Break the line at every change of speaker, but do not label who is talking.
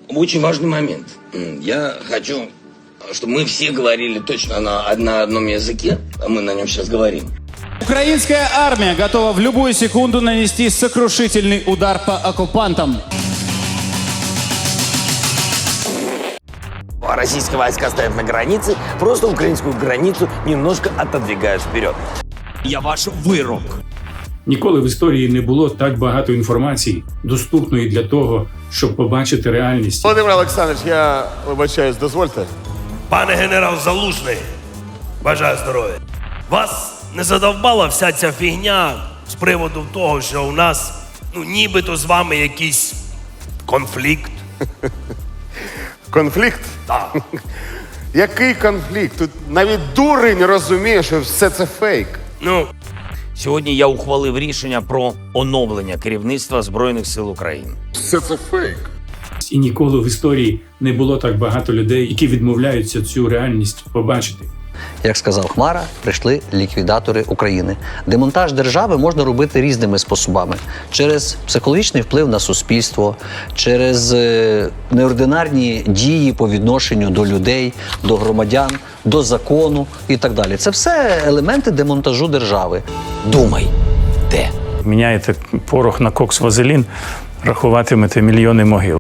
очень важный момент. Я хочу, чтобы мы все говорили точно на одном языке, а мы на нем сейчас говорим.
Украинская армия готова в любую секунду нанести сокрушительный удар по оккупантам.
Российские войска стоят на границе, просто украинскую границу немножко отодвигают вперед.
Я ваш вирок.
Ніколи в історії не було так багато інформації, доступної для того, щоб побачити реальність.
Володимир Олександрович, я вибачаюсь, дозвольте.
Пане генерал Залужний, бажаю здоров'я. Вас не задовбала вся ця фігня з приводу того, що у нас, нібито з вами якийсь конфлікт?
Конфлікт?
Так.
Який конфлікт? Тут навіть дурень розуміє, що все це фейк.
Сьогодні я ухвалив рішення про оновлення керівництва Збройних сил України.
Все це фейк.
І ніколи в історії не було так багато людей, які відмовляються цю реальність побачити.
Як сказав Хмара, прийшли ліквідатори України. Демонтаж держави можна робити різними способами. Через психологічний вплив на суспільство, через неординарні дії по відношенню до людей, до громадян, до закону і так далі. Це все елементи демонтажу держави.
Думай, де?
Міняєте порох на кокс-вазелін, рахуватимете мільйони могил.